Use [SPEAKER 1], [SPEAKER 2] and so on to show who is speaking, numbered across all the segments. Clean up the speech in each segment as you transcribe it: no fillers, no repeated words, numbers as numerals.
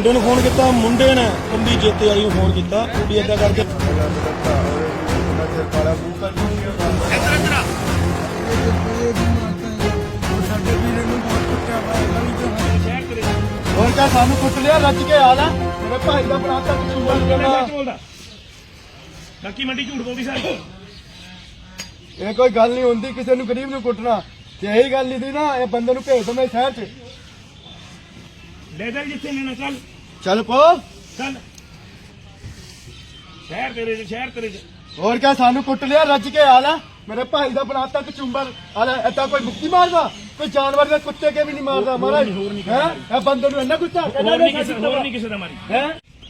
[SPEAKER 1] ਮੁੰਡੇ ਨੂੰ ਫੋਨ ਕੀਤਾ, ਮੁੰਡੇ ਨੇ ਕੰਦੀ ਜੇਤੇ ਵਾਲੀ ਨੂੰ ਫੋਨ ਕੀਤਾ ਵੀ ਏਦਾਂ ਕਰਕੇ ਹੋਰ ਕਾ ਸਾਨੂੰ ਕੁੱਟ ਲਿਆ ਰੱਜ ਕੇ ਹਾਲ ਹੈ ਮੇਰੇ ਭਾਈ ਦਾ ਬਣਾਤਾ ਕਸੂਰ
[SPEAKER 2] ਲੱਕੀ ਮੰਡੀ ਝੂਠ ਬੋਲਦੀ ਸਾਰੀ
[SPEAKER 1] ਇਹ ਕੋਈ ਗੱਲ ਨਹੀਂ ਹੁੰਦੀ ਕਿਸੇ ਨੂੰ ਗਰੀਬ ਨੂੰ ਕੁੱਟਣਾ ਜੇ ਇਹੀ ਗੱਲ ਨਹੀਂ ਦੀ ਨਾ ਇਹ ਬੰਦੇ ਨੂੰ ਭੇਜ ਦੋ ਮੈਂ ਸ਼ਹਿਰ 'ਚ
[SPEAKER 2] ਲੈ ਜਾ ਜਿੱਥੇ ਲੈਣਾ ਚੱਲ
[SPEAKER 1] ਚੱਲ ਪੋ
[SPEAKER 2] ਚੱਲ ਸ਼ਹਿਰ ਤੇਰੇ ਚ
[SPEAKER 1] ਹੋਰ ਕਿਆ ਸਾਨੂੰ ਕੁੱਟ ਲਿਆ ਰੱਜ ਕੇ ਹਾਲ ਹੈ ਮੇਰੇ ਭਾਈ ਦਾ ਬਣਾਤਾ ਕਚੂੰਬਰ ਹਾਲੇ ਏਦਾਂ ਕੋਈ ਮੁੱਕੀ ਮਾਰਦਾ ਕੋਈ ਜਾਨਵਰ ਦੇ ਕੁੱਤੇ ਕੇ ਵੀ ਨਹੀਂ ਮਾਰਦਾ ਮਹਾਰਾਜ ਹੈ ਇਹ ਬੰਦੇ ਨੂੰ ਇੰਨਾ ਗੁੱਸਾ
[SPEAKER 2] ਹੋਰ ਨਹੀਂ ਕਿਸੇ ਦਾ ਮਾਰੀ
[SPEAKER 1] ਹੈ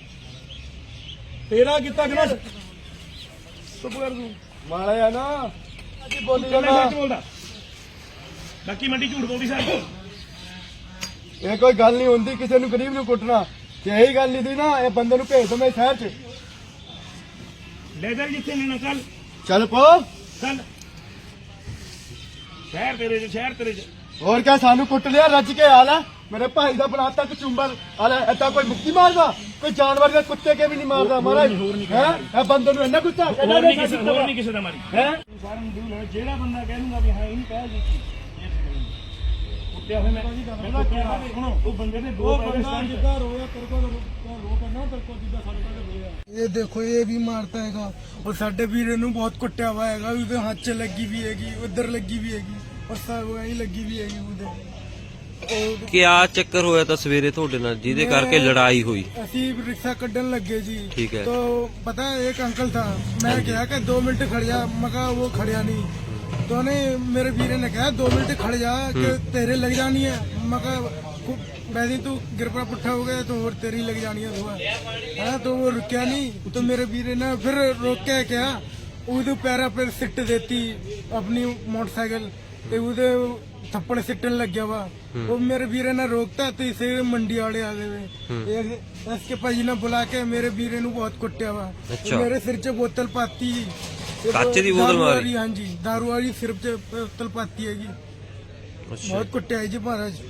[SPEAKER 1] ਤੇਰਾ ਕੀਤਾ ਕਿ ਨਾ ਚੁੱਪ ਕਰ ਤੂੰ ਮਾਰਿਆ ਨਾ ਅੱਜ ਬੋਲੀ ਜਾਣਾ
[SPEAKER 2] ਬੋਲਦਾ ਲੱਕੀ ਮੰਡੀ ਝੂਠ ਬੋਲਦੀ ਸਾਰੀ
[SPEAKER 1] ਇਹ ਕੋਈ ਗੱਲ ਨਹੀਂ ਹੁੰਦੀ ਕਿਸੇ ਨੂੰ ਗਰੀਬ ਨੂੰ ਕੁੱਟਣਾ ਜੇ ਇਹੀ ਗੱਲ ਨਹੀਂ ਦੀ ਨਾ ਇਹ ਬੰਦੇ ਨੂੰ ਭੇਜ ਦੋ ਮੈਂ ਸ਼ਹਿਰ 'ਚ
[SPEAKER 2] ਲੈ ਜਾ ਜਿੱਥੇ ਲੈਣਾ ਚੱਲ
[SPEAKER 1] ਚੱਲ ਪੋ
[SPEAKER 2] ਚੱਲ ਸ਼ਹਿਰ ਤੇਰੇ ਚ
[SPEAKER 1] ਹੋਰ ਕਿਆ ਸਾਨੂੰ ਕੁੱਟ ਲਿਆ ਰੱਜ ਕੇ ਹਾਲ ਹੈ ਮੇਰੇ ਭਾਈ ਦਾ ਬਣਾਤਾ ਕਚੂੰਬਰ ਹਾਲੇ ਏਦਾਂ ਕੋਈ ਮੁੱਕੀ ਮਾਰਦਾ ਕੋਈ ਜਾਨਵਰ ਦੇ ਕੁੱਤੇ ਕੇ ਵੀ ਨਹੀਂ ਮਾਰਦਾ ਮਹਾਰਾਜ ਹੈ ਇਹ ਬੰਦੇ ਨੂੰ ਇੰਨਾ ਗੁੱਸਾ
[SPEAKER 2] ਹੋਰ ਨਹੀਂ ਕਿਸੇ ਦਾ ਮਾਰੀ
[SPEAKER 1] ਹੈ
[SPEAKER 2] ਜਿਹੜਾ ਬੰਦਾ ਕਹਿ ਦੂੰਗਾ ਵੀ ਹਾਂ ਇਹਨੂੰ ਕਹਿ ਜੀ ਕੁੱਟਿਆ ਹੋਇਆ ਮੈਂ ਕਿਹਾ ਸੁਣੋ ਉਹ ਬੰਦੇ ਨੇ ਦੋ
[SPEAKER 1] ਬੰਦਾ ਜਿੱਦਾਂ ਰੋਇਆ ਤੇਰੇ ਕੋਲ ਰੋ ਕਰਨਾ ਤੇਰੇ ਕੋਲ ਜਿੱਦਾਂ ਸਾਡੇ ਕੋਲ ਰੋਇਆ ਇਹ ਦੇਖੋ ਇਹ ਵੀ ਮਾਰਤਾ ਹੈਗਾ और साडे वीरे नूं बहुत कुट्टिया हुआ है उसके हाथ च लगी भी हैगी उधर लगी भी हैगी और सब वहीं लगी भी हैगी उधर
[SPEAKER 3] क्या चक्कर होया था सवेरे थोड़े नाल जिहदे करके लड़ाई हुई
[SPEAKER 1] असी रिक्शा कड्ढन लगे जी
[SPEAKER 3] ठीक है
[SPEAKER 1] तो पता है एक अंकल था मैं कहा कि 2 मिनट खड़ जा मैं कहा वो खड़िया नहीं तो ने मेरे वीरे ने कहा 2 मिनट खड़ जा कि तेरे लग जानी है मैं कहा वैसे तू गिरपा पुट्ठा हो गया तो और तेरी लग जानी है सुबह है तो वो रुकया नहीं तो मेरे वीरे ने फिर रोक के क्या उधर पैरा पर सिट देती अपनी मोटरसाइकिल ते उधर थप्पड़ सिटन लग गया वा वो मेरे वीरे ने रोकता तो इसे मंडी वाले आ गए इसके भाजी ने बुला के मेरे वीरे नु बहुत कुट्टिया वा मेरे सिर च बोतल पाती
[SPEAKER 3] काचे दी बोतल मारी
[SPEAKER 1] हाँ जी दारू वाली सिर च बोतल पाती हैगी बहुत कुट्टिया है जी महाराज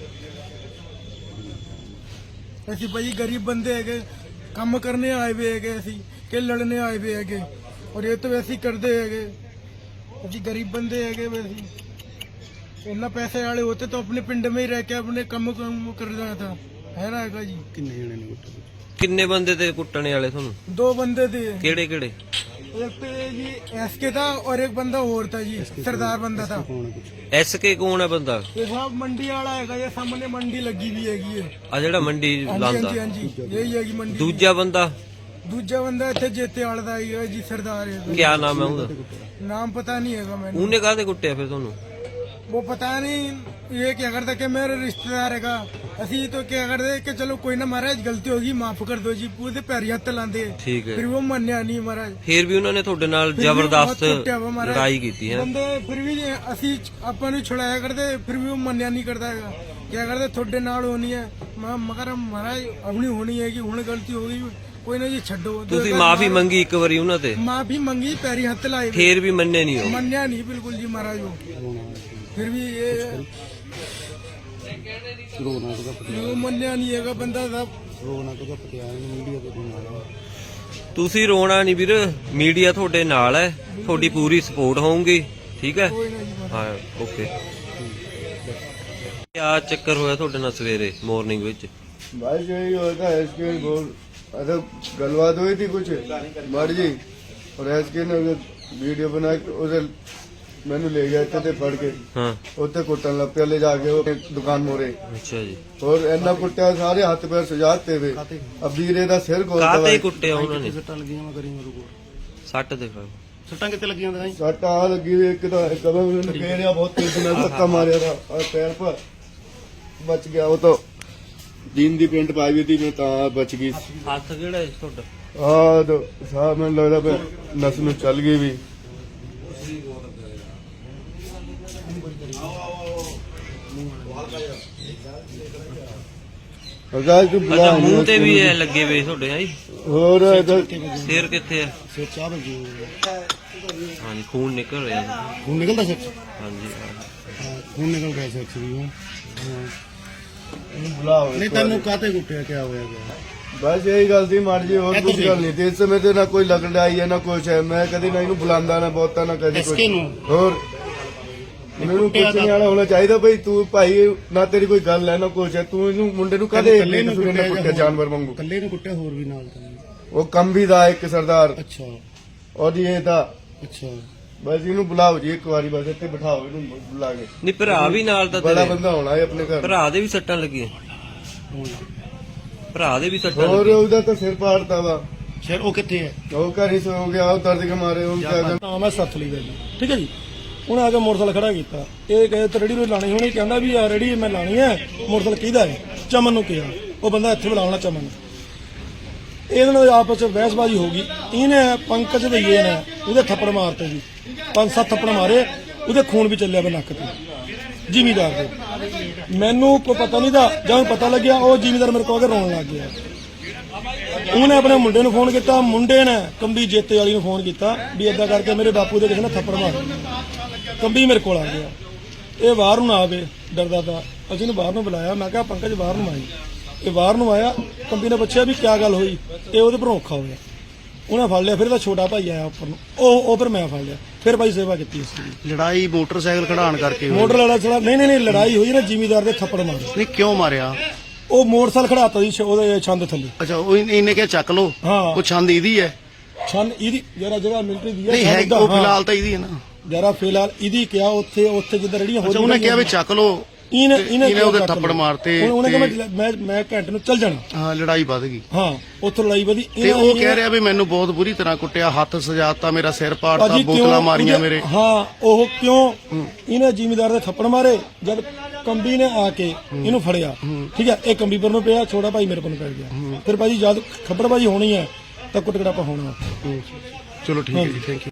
[SPEAKER 1] ਅਸੀਂ ਭਾਈ ਗਰੀਬ ਬੰਦੇ ਹੈਗੇ ਕੰਮ ਕਰਨੇ ਆਏ ਵੇ ਹੈਗੇ ਅਸੀਂ ਕਿ ਲੜਨੇ ਆਏ ਵੇ ਹੈਗੇ ਔਰ ਇਹ ਤਾਂ ਵੈਸੇ ਹੀ ਕਰਦੇ ਹੈਗੇ ਅਸੀਂ ਗਰੀਬ ਬੰਦੇ ਹੈਗੇ ਵੈਸੇ ਇੰਨਾ ਪੈਸੇ ਵਾਲੇ ਹੋਤੇ ਤਾਂ ਆਪਣੇ ਪਿੰਡ में ही रह के अपने ਕੰਮ ਕਰ रहा था है ना ਹੈਗਾ ਜੀ ਕਿੰਨੇ ਜਣੇ ਨੇ ਕੁੱਟੇ
[SPEAKER 3] ਕਿੰਨੇ ਬੰਦੇ ਤੇ ਕੁੱਟਣੇ ਵਾਲੇ ਤੁਹਾਨੂੰ
[SPEAKER 1] 2 ਬੰਦੇ थे
[SPEAKER 3] ਕਿਹੜੇ ਕਿਹੜੇ
[SPEAKER 1] एक तो जी एसके था और एक बंदा और था जी सरदार बंदा था
[SPEAKER 3] एसके कौन है बंदा
[SPEAKER 1] ये साहब मंडी वाला है ये सामने मंडी लगी हुई हैगी
[SPEAKER 3] आ जेड़ा मंडी लांदा
[SPEAKER 1] हाँ जी यही हैगी मंडी
[SPEAKER 3] दूजा बंदा
[SPEAKER 1] इत्थे जेते वाला दा है जी सरदार है
[SPEAKER 3] क्या नाम है उसदा
[SPEAKER 1] नाम पता नहीं हैगा मैंने
[SPEAKER 3] ਉਹਨੇ ਕਾਹਦੇ ਕੁੱਟਿਆ ਫਿਰ ਤੁਹਾਨੂੰ
[SPEAKER 1] वो पता नहीं ये क्या करता कि मेरे रिश्तेदार हैगा असी तो क्या करते कि चलो कोई ना महाराज गलती होगी माफ कर दो जी पूरे पैर हत्थ लांदे
[SPEAKER 3] ठीक है
[SPEAKER 1] फिर वो मन्या नहीं महाराज
[SPEAKER 3] फिर भी उन्होंने ਤੁਹਾਡੇ ਨਾਲ ਜ਼ਬਰਦਸਤ ਲੜਾਈ ਕੀਤੀ है
[SPEAKER 1] बंदे फिर भी असी ਆਪਾਂ ਨੂੰ ਛੁਡਾਇਆ ਕਰਦੇ फिर भी वो मन्या नहीं करता हैगा क्या करते ਤੁਹਾਡੇ ਨਾਲ होनी है मगर महाराज अपनी होनी है कि हुण गलती हो गई कोई ना जी छड्डो
[SPEAKER 3] ਤੁਸੀਂ ਮਾਫੀ ਮੰਗੀ ਇੱਕ ਵਾਰੀ ਉਹਨਾਂ ਤੇ
[SPEAKER 1] माफी मंगी पैरी हत्थ लाए
[SPEAKER 3] फिर भी ਮੰਨੇ नहीं हो
[SPEAKER 1] मन्या नहीं बिल्कुल जी महाराज वो फिर भी ये मन्या नहीं है बंदा साहब
[SPEAKER 3] ਤੁਸੀਂ ਰੋਣਾ ਨਹੀਂ ਵੀਰ ਮੀਡੀਆ ਤੁਹਾਡੇ ਨਾਲ ਹੈ ਤੁਹਾਡੀ ਪੂਰੀ ਸਪੋਰਟ ਹੋਊਗੀ ਠੀਕ ਹੈ ਹਾਂ ਓਕੇ क्या ਚੱਕਰ ਹੋਇਆ ਤੁਹਾਡੇ ਨਾਲ ਸਵੇਰੇ ਮਾਰਨਿੰਗ ਵਿੱਚ
[SPEAKER 4] बस यही होता है एसके बोल अच्छा गलबात हुई थी कुछ मर जी और एसके ने वीडियो बना के उसे मैंने ले गया थे फड़ के
[SPEAKER 3] हाँ
[SPEAKER 4] उत्ते कुटन लग पे ले जाके वो दुकान मोरे
[SPEAKER 3] अच्छा जी
[SPEAKER 4] और इन्ना कुट्टिया सारे हाथ पैर सजाते हुए अब वीरे दा सिर
[SPEAKER 3] ਕਾਤੇ ਕੁੱਟਿਆ ਉਹਨਾਂ ਨੇ ਸੱਟ ਦਿਖਾਓ
[SPEAKER 2] ਸੱਟਾਂ ਕਿੱਥੇ ਲੱਗੀਆਂ ਨੇ
[SPEAKER 4] सट आ लगी हुई एक कदम घेरिया बहुत तेज ने धक्का मारा था और पैर पर बच गया वो तो जीन दी पेंट पाई हुई थी मैं ता बच गई
[SPEAKER 3] ਹੱਥ ਕਿਹੜਾ ਹੈ ਤੁਹਾਡਾ
[SPEAKER 4] हाँ तो साहब मैंने लगता पे नस में चल गई भी
[SPEAKER 3] ਅੱਛਾ ਮੂੰਹ ਤੇ ਵੀ ਇਹ ਲੱਗੇ ਵੇ ਤੁਹਾਡੇ ਹਾਂ ਜੀ
[SPEAKER 4] ਹੋਰ
[SPEAKER 3] ਸਿਰ ਕਿੱਥੇ ਹੈ
[SPEAKER 2] ਸਿਰ ਚਾਹ ਵੱਜੀ
[SPEAKER 3] ਹਾਂਜੀ ਖੂਨ ਨਿਕਲ ਰਿਹਾ
[SPEAKER 2] ਹੁਣ ਨਿਕਲਦਾ ਸਿਰ
[SPEAKER 3] ਹਾਂਜੀ
[SPEAKER 2] ਹੁਣ ਨਿਕਲ ਰਿਹਾ ਸਿਰ ਵੀ
[SPEAKER 4] ਇਹਨੂੰ ਬੁਲਾਓ
[SPEAKER 2] ਨਹੀਂ ਤੈਨੂੰ ਕਾਤੇ ਕੁੱਟਿਆ ਕਿਆ ਹੋਇਆ ਗਿਆ
[SPEAKER 4] ਬਸ ਇਹੀ ਗੱਲ ਸੀ ਮਾੜੀ ਜੀ, ਹੋਰ ਕੁਝ ਗੱਲ ਨਹੀਂ ਤੇ ਇਸ ਸਮੇਂ ਤੇ ਨਾ ਕੋਈ ਲੜਾਈ ਹੈ ਨਾ ਕੁਛ ਹੈ। ਮੈਂ ਕਦੀ ਨਾ ਇਹਨੂੰ ਬੁਲਾਉਂਦਾ ਨਾ ਬਹੁਤਾ ਨਾ ਕਦੀ ਕੁਛ ਹੋਰ ਮੈਨੂੰ ਕੁਛ ਨਹੀਂ ਆਣਾ ਹੋਣਾ ਚਾਹੀਦਾ ਬਈ ਤੂੰ ਭਾਈ ਨਾ ਤੇਰੀ ਕੋਈ ਗੱਲ ਹੈ ਨਾ ਕੁਛ ਹੈ, ਤੂੰ ਇਹਨੂੰ ਮੁੰਡੇ ਨੂੰ ਕਦੇ ਕੁੱਟਿਆ ਜਾਨਵਰ ਵਾਂਗੂ।
[SPEAKER 2] ਕੱਲੇ ਨੂੰ ਕੁੱਟਿਆ ਹੋਰ ਵੀ ਨਾਲ ਤਾਂ
[SPEAKER 4] ਉਹ ਕੰਮ ਵੀ ਦਾ ਇੱਕ ਸਰਦਾਰ
[SPEAKER 2] ਅੱਛਾ
[SPEAKER 4] ਔਰ ਇਹ ਤਾਂ
[SPEAKER 2] ਅੱਛਾ
[SPEAKER 4] ਬਸ ਇਹਨੂੰ ਬੁਲਾਓ ਜੀ ਇੱਕ ਵਾਰੀ, ਬਸ ਇੱਥੇ ਬਿਠਾਓ ਇਹਨੂੰ ਬੁਲਾ ਕੇ।
[SPEAKER 3] ਨਹੀਂ ਭਰਾ ਵੀ ਨਾਲ ਤਾਂ
[SPEAKER 4] ਬੜਾ
[SPEAKER 3] ਤੇਰੇ
[SPEAKER 4] ਬੰਦਾ ਹੋਣਾ ਹੈ ਆਪਣੇ ਘਰ।
[SPEAKER 3] ਭਰਾ ਦੇ ਵੀ ਸੱਟਾਂ ਲੱਗੀਆਂ, ਭਰਾ ਦੇ ਵੀ ਸੱਟਾਂ
[SPEAKER 4] ਹੋਰ
[SPEAKER 3] ਲੱਗੀਆਂ।
[SPEAKER 4] ਉਹਦਾ ਤਾਂ ਸਿਰ ਪਾੜਤਾ ਵਾ,
[SPEAKER 2] ਸ਼ੇਰ ਉਹ ਕਿੱਥੇ ਹੈ
[SPEAKER 4] ਉਹ ਘਰ ਹੀ ਸੋ ਗਿਆ, ਉਹ ਦਰਦ ਕੇ ਮਾਰੇ ਉਹ ਕਿਆ ਕਰ-
[SPEAKER 5] ਨਾਮ ਹੈ ਸਤਲੀ ਦਾ ਜੀ, ਠੀਕ ਹੈ ਜੀ। ਉਹਨੇ ਆ ਕੇ ਮੋਟਰਸਾਈਕਲ ਖੜਾ ਕੀਤਾ, ਇਹ ਕਹੇ ਤੇ ਰੇੜੀ ਨੂੰ ਲਾਣੀ ਹੋਣੀ, ਕਹਿੰਦਾ ਵੀ ਆ ਰੇੜੀ ਮੈਂ ਲਾਣੀ ਹੈ, ਮੋਟਰਸਾਈਕਲ ਕਿਹਦਾ ਹੈ? ਚਮਨ ਨੂੰ ਕਿਹਾ, ਉਹ ਬੰਦਾ ਇੱਥੇ ਬੁਲਾਉਣਾ ਚਮਨ ਨੂੰ। ਇਹਨਾਂ ਨਾਲ ਆਪਸ ਵਿੱਚ ਬਹਿਸਬਾਜ਼ੀ ਹੋ ਗਈ, ਇਹਨੇ ਪੰਕਜ ਭਈਏ ਨੇ ਉਹਦੇ ਥੱਪੜ ਮਾਰਤੇ ਜੀ, 5-7 ਥੱਪੜ ਮਾਰੇ, ਉਹਦੇ ਖੂਨ ਵੀ ਚੱਲਿਆ ਵੇ ਨੱਕ ਤੇ ਜ਼ਿਮੀਦਾਰ ਦੇ। ਮੈਨੂੰ ਕੋਈ ਪਤਾ ਨਹੀਂ ਦਾ, ਜਦੋਂ ਪਤਾ ਲੱਗਿਆ ਉਹ ਜ਼ਿਮੀਦਾਰ ਮੇਰੇ ਕੋਲ ਆ ਕੇ ਰੋਣ ਲੱਗ ਗਿਆ। ਉਹਨੇ ਆਪਣੇ ਮੁੰਡੇ ਨੂੰ ਫੋਨ ਕੀਤਾ, ਮੁੰਡੇ ਨੇ ਕੰਬੀ ਜੇਤੇ ਵਾਲੀ ਨੂੰ ਫੋਨ ਕੀਤਾ ਵੀ ਏਦਾਂ ਕਰਕੇ ਮੇਰੇ ਬਾਪੂ ਦੇ ਕਿਸੇ ਨੇ ਥੱਪੜ ਮਾਰਿਆ। ਕੰਬੀ ਮੇਰੇ ਕੋਲ ਆ ਗਿਆ, ਇਹ ਬਾਹਰ ਨੂੰ ਨਾ ਆਵੇ ਡਰਦਾ ਤਾਂ, ਅਸੀਂ ਇਹਨੂੰ ਬਾਹਰ ਨੂੰ ਬੁਲਾਇਆ। ਮੈਂ ਕਿਹਾ ਪੰਕਜ ਬਾਹਰ ਨੂੰ ਆਈ, ਇਹ ਬਾਹਰ ਨੂੰ ਆਇਆ। ਕੰਬੀ ਨੇ ਪੁੱਛਿਆ ਵੀ ਕਿਆ ਗੱਲ ਹੋਈ, ਇਹ ਉਹਦੇ ਪਰ ਔਖਾ ਹੋਇਆ, ਉਹਨੇ ਫੜ ਲਿਆ। ਫਿਰ ਇਹਦਾ ਛੋਟਾ ਭਾਈ ਆਇਆ ਉੱਪਰ ਨੂੰ, ਉਹ ਫਿਰ ਮੈਂ ਫੜ ਲਿਆ, ਫਿਰ ਭਾਈ ਸੇਵਾ ਕੀਤੀ ਇਸ ਦੀ।
[SPEAKER 2] ਲੜਾਈ ਮੋਟਰਸਾਈਕਲ ਖੜਾਉਣ ਕਰਕੇ ਹੋਈ।
[SPEAKER 5] ਮੋਟਰ ਵਾਲਾ ਚਲਾ ਨਹੀਂ ਲੜਾਈ ਹੋਈ ਨਾ, ਜ਼ਿਮੀਦਾਰ ਦੇ ਥੱਪੜ ਮਾਰੇ।
[SPEAKER 2] ਨਹੀਂ ਕਿਉਂ ਮਾਰਿਆ?
[SPEAKER 5] ਉਹ ਮੋਟਰਸਾਈਕਲ ਖੜਾਤਾ ਜੀ ਉਹਦੇ ਛੰਦ ਥੱਲੇ।
[SPEAKER 2] ਅੱਛਾ ਉਹ ਇਹਨੇ ਕਿਹਾ ਚੱਕ ਲੋ,
[SPEAKER 5] ਹਾਂ।
[SPEAKER 2] ਉਹ ਛੰਦ ਇਹਦੀ ਹੈ
[SPEAKER 5] ਛੰਦ ਇਹਦੀ ਜਰਾ ਮਿਲਟਰੀ ਦੀ
[SPEAKER 2] ਨਹੀਂ ਹੈ, ਉਹ ਫਿਲਹਾਲ ਤਾਂ ਇਹਦੀ ਹੈ ਨਾ।
[SPEAKER 5] ਜਰਾ ਫਿਲਹਾਲ ਇਹਦੀ ਕਿਹਾ ਉੱਥੇ ਜਿੱਦਾਂ ਰੇੜੀਆਂ
[SPEAKER 2] ਅੱਛਾ ਉਹਨੇ ਕਿਹਾ ਵੀ ਚੱਕ ਲੋ,
[SPEAKER 5] ਇਹਨੇ
[SPEAKER 2] ਉਹਦੇ ਥੱਪੜ ਮਾਰਤੇ
[SPEAKER 5] ਉਹਨੇ ਕਿਹਾ ਮੈਂ ਘੰਟੇ ਨੂੰ ਚੱਲ ਜਾਣਾ।
[SPEAKER 2] ਹਾਂ ਲੜਾਈ ਵੱਧ ਗਈ
[SPEAKER 5] ਹਾਂ ਉੱਥੋਂ ਲੜਾਈ ਵਧੀ।
[SPEAKER 2] ਤੇ ਉਹ ਕਹਿ ਰਿਹਾ ਵੀ ਮੈਨੂੰ ਬਹੁਤ ਬੁਰੀ ਤਰ੍ਹਾਂ ਕੁੱਟਿਆ, ਹੱਥ ਸਜਾਤਾ, ਮੇਰਾ ਸਿਰ ਪਾੜਤਾ,
[SPEAKER 5] ਭਾਜੀ
[SPEAKER 2] ਬੋਤਲਾਂ
[SPEAKER 5] ਕਿਉਂ
[SPEAKER 2] ਮਾਰੀਆਂ ਮੇਰੇ।
[SPEAKER 5] ਹਾਂ ਉਹ ਕਿਉਂ ਇਹਨੇ ਜ਼ਿਮੀਦਾਰ ਦੇ ਥੱਪੜ ਮਾਰੇ, ਜਦ ਕੰਬੀ ਨੇ ਆ ਕੇ ਇਹਨੂੰ ਫੜਿਆ, ਠੀਕ ਹੈ, ਇਹ ਕੰਬੀ ਪਰ ਨੂੰ ਪਿਆ, ਛੋਟਾ ਭਾਈ ਮੇਰੇ ਕੋਲ ਪੈ ਗਿਆ। ਫਿਰ ਭਾਜੀ ਜਦ ਖੱਬੜਬਾਜੀ ਹੋਣੀ ਹੈ ਤਾਂ ਕੁੱਟ ਕੜਾਪਾ ਹੋਣਾ।
[SPEAKER 2] ਚਲੋ ਠੀਕ ਹੈ ਜੀ, ਥੈਂਕ ਯੂ।